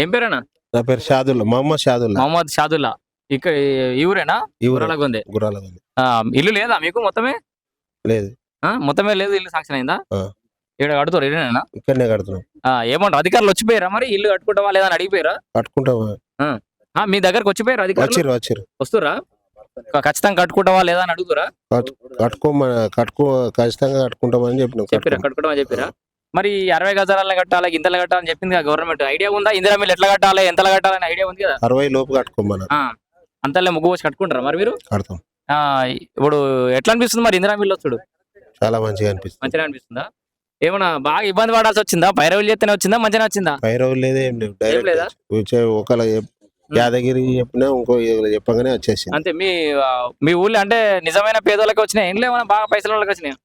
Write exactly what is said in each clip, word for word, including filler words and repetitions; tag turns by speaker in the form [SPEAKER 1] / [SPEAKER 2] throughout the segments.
[SPEAKER 1] ఏం పేరేనా?
[SPEAKER 2] నా పేరు షాదుల్లా, మహమ్మద్ షాదుల్లా.
[SPEAKER 1] మహమ్మద్ షాదుల్లా. ఇక్కడ ఈ ఊరేనా? గుర్రాలగొందే.
[SPEAKER 2] గుర్రాలగొందే.
[SPEAKER 1] ఇల్లు లేదా మీకు మొత్తమే?
[SPEAKER 2] లేదు.
[SPEAKER 1] మొత్తమే లేదు, ఇల్లు శాంక్షన్ అయిందా? ఇక్కడ కడుతారు ఇల్లునేనా?
[SPEAKER 2] ఇక్కడనే కడుతున్నాం.
[SPEAKER 1] ఏమంటారు అధికారులు వచ్చిపోయారా మరి? ఇల్లు కట్టుకుంటావా లేదా అని అడిగిపోయారా?
[SPEAKER 2] కట్టుకుంటావా?
[SPEAKER 1] మీ దగ్గరకు వచ్చిపోయారు అధికారులు?
[SPEAKER 2] వచ్చారు.
[SPEAKER 1] వస్తురా? ఖచ్చితంగా కట్టుకుంటావా లేదా అని అడుగుతురా?
[SPEAKER 2] కట్టుకోమని కట్టుకో ఖచ్చితంగా కట్టుకుంటామని చెప్పిన
[SPEAKER 1] చెప్పారా? కట్టుకోవడం చెప్పారా? మరి అరవై గజాలను కట్టాలి, ఇంతలు కట్టాలని చెప్పింది కదా గవర్నమెంట్. ఐడియా ఉందా? ఇందిరా మిల్లు ఎట్లా కట్టాలి, ఎంతలా కట్టాలని ఐడియా ఉంది కదా?
[SPEAKER 2] అరవై లోపు కట్టుకోమని.
[SPEAKER 1] అంతలో ముగ్గు వచ్చి కట్టుకుంటారా మరి మీరు?
[SPEAKER 2] కడతాం.
[SPEAKER 1] ఇప్పుడు ఎట్లా అనిపిస్తుంది మరి ఇందిరా మిల్లు వచ్చాడు?
[SPEAKER 2] చాలా మంచిగా అనిపిస్తుంది.
[SPEAKER 1] మంచిగా అనిపిస్తుందా? ఏమన్నా బాగా ఇబ్బంది పడాల్సి వచ్చిందా? పైరవులు చేస్తేనే వచ్చిందా, మంచిగా వచ్చిందా?
[SPEAKER 2] పైరవులు లేదా, ఏం లేవు. డైరెక్ట్ ఒకళ్ళ యాదగిరి చెప్పినా ఇంకో చెప్పగానే వచ్చేసి
[SPEAKER 1] అంతే. మీ మీ ఊళ్ళో అంటే నిజమైన పేదోళ్ళకి వచ్చినాయి, ఏం లేవన్నా బాగా పైసల వాళ్ళకి వచ్చినాయి?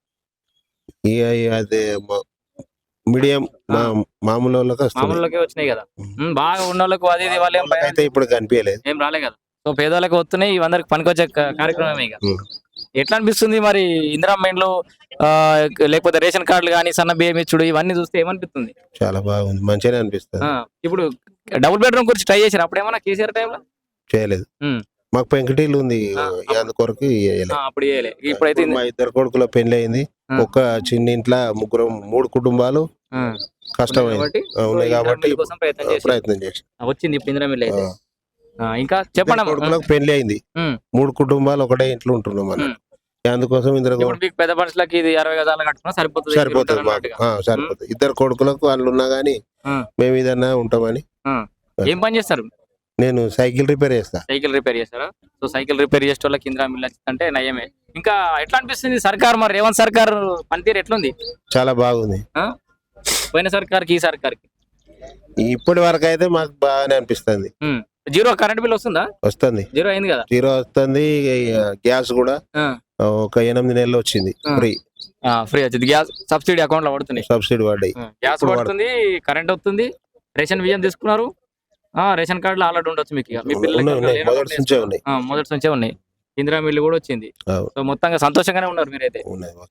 [SPEAKER 2] అదే మీడియం మామూలు వాళ్ళకి
[SPEAKER 1] మామూలుకే వచ్చినాయి కదా. బాగా ఉన్న వాళ్ళకు అది వాళ్ళు
[SPEAKER 2] అయితే ఇప్పుడు కనిపించలేదు,
[SPEAKER 1] ఏం రాలే కదా. సో పేదోళ్ళకి వస్తున్నాయి, ఇవందరికి పనికొచ్చే కార్యక్రమం. ఇక ఎట్లా అనిపిస్తుంది మరి ఇందిరా మైండ్లు లేకపోతే రేషన్ కార్డులు కానీ, సన్న బియ్యం ఇచ్చుడు ఇవన్నీ చూస్తే ఏమనిపిస్తుంది?
[SPEAKER 2] చాలా బాగుంది, మంచిగానే అనిపిస్తుంది.
[SPEAKER 1] ఇప్పుడు డబుల్ బెడ్రూమ్ గురించి ట్రై చేశారు అప్పుడు ఏమన్నా కేసీఆర్ టైంలో?
[SPEAKER 2] చేయలేదు. మాకు పెంకటీలు ఉంది కొరకు.
[SPEAKER 1] అప్పుడు ఇప్పుడైతే
[SPEAKER 2] మా ఇద్దరు కొడుకుల పెళ్లి అయింది. ఒక చిన్న ఇంట్లో ముగ్గురు మూడు కుటుంబాలు కష్టమైంది ఉన్నాయి కాబట్టి ప్రయత్నం చేసి
[SPEAKER 1] వచ్చింది ఇప్పుడు ఇందిరా మిల్లు అయితే. ఇంకా చెప్పండి.
[SPEAKER 2] కొడుకులకు పెళ్లి అయింది, మూడు కుటుంబాలు ఒకటే ఇంట్లో ఉంటున్నాం మనం. అందుకోసం
[SPEAKER 1] పెద్ద మనుషులకి ఇది అరవై గజాలు కట్టుకున్నా సరిపోతుంది.
[SPEAKER 2] సరిపోతుంది మాకు, సరిపోతుంది. ఇద్దరు కొడుకులకు వాళ్ళు ఉన్నా గానీ మేము ఏదన్నా ఉంటామని.
[SPEAKER 1] ఏం పని చేస్తారు?
[SPEAKER 2] నేను సైకిల్ రిపేర్ చేస్తా.
[SPEAKER 1] సైకిల్ రిపేర్ చేస్తారా? సో సైకిల్ రిపేర్ చేసే వాళ్ళకి ఇందిరా మిల్లు వచ్చిందంటే నయమే. ఇంకా ఎట్లా అనిపిస్తుంది సర్కార్ మరి రేవంత్ సర్కార్ పనితీరు ఎట్లుంది?
[SPEAKER 2] చాలా బాగుంది.
[SPEAKER 1] పోయిన సర్కార్కి ఈ సర్కార్కి
[SPEAKER 2] ఇప్పటి వరకు అయితే మాకు బాగానే అనిపిస్తుంది.
[SPEAKER 1] జీరో కరెంట్ బిల్ వస్తుందా?
[SPEAKER 2] వస్తుంది.
[SPEAKER 1] జీరో అయింది కదా?
[SPEAKER 2] జీరో వస్తుంది. గ్యాస్ కూడా ఒక ఎనిమిది నెలలు వచ్చింది ఫ్రీ.
[SPEAKER 1] ఫ్రీ వచ్చింది. గ్యాస్ సబ్సిడీ అకౌంట్ లో పడుతుంది.
[SPEAKER 2] సబ్సిడీ పడ్డాయి.
[SPEAKER 1] గ్యాస్ పడుతుంది, కరెంట్ వస్తుంది. రేషన్ బియ్యం తీసుకున్నారు. రేషన్ కార్డులు ఆల్రెడీ ఉండొచ్చు మీకు. మీ పిల్లలు మొదటి నుంచే ఉన్నాయి. ఇందిరా మిల్లు కూడా వచ్చింది. సో మొత్తంగా సంతోషంగానే ఉన్నారు మీరైతే.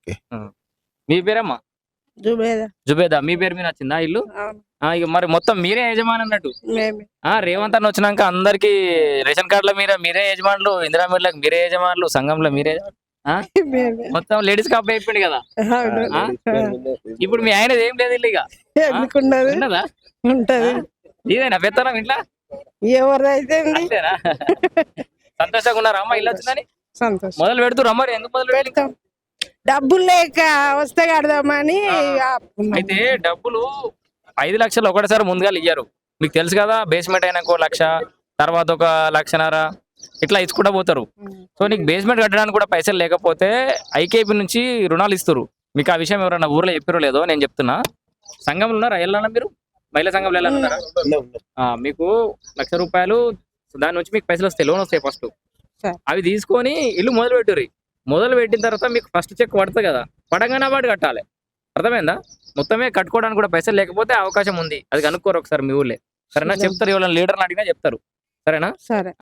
[SPEAKER 1] మీ పేరమ్మా? జుబేదా. మీ పేరు మీద వచ్చిందా ఇల్లు? ఇక మరి మొత్తం మీరే యజమాని అన్నట్టు. రేవంత్ అన్న వచ్చినాక అందరికి రేషన్ కార్డుల మీద మీరే యజమానులు, ఇందిరా మిల్లులకు మీరే యజమానులు, సంఘంలో మీరే మొత్తం లేడీస్ కాప్ అయిపోయింది కదా. ఇప్పుడు మీ ఆయనది ఏం లేదు ఇల్లు. ఇక ఉన్నదా? ఇదేనా పెత్తనం ఇంట్లో?
[SPEAKER 3] ఎవరైతే
[SPEAKER 1] సంతోషంగా ఉన్నారా అమ్మ ఇల్లు వచ్చిందని? మొదలు పెడుతురా మరి? ఎందుకు మొదలు పెడతాం?
[SPEAKER 3] డబ్బులు లేక వస్తే కడదామని.
[SPEAKER 1] అయితే డబ్బులు ఐదు లక్షలు ఒకటిసారి ముందుగా ఇయ్యారు, మీకు తెలుసు కదా. బేస్మెంట్ అయినాక లక్ష, తర్వాత ఒక లక్షన్నర ఇట్లా ఇచ్చుకుంటా పోతారు. సో నీకు బేస్మెంట్ కట్టడానికి కూడా పైసలు లేకపోతే ఐకేపీ నుంచి రుణాలు ఇస్తారు. మీకు ఆ విషయం ఎవరన్నా ఊర్లో చెప్పారో లేదో నేను చెప్తున్నా. సంఘంలో ఉన్నారా? వెళ్ళాలా మీరు? మహిళా సంఘంలో వెళ్ళాలన్నారా? మీకు లక్ష రూపాయలు దాని నుంచి మీకు పైసలు వస్తాయి, లోన్ వస్తాయి. ఫస్ట్ అవి తీసుకొని ఇల్లు మొదలు పెట్టుర్రి. మొదలు పెట్టిన తర్వాత మీకు ఫస్ట్ చెక్ పడుతుంది కదా, పడంగానే వాడు కట్టాలి. అర్థమైందా? మొత్తమే కట్టుకోవడానికి కూడా పైసలు లేకపోతే అవకాశం ఉంది. అది కనుక్కోరు ఒకసారి మీ ఊళ్ళే. సరేనా? చెప్తారు, ఎవరైనా లీడర్ని అడిగినా చెప్తారు. సరేనా?
[SPEAKER 3] సరే.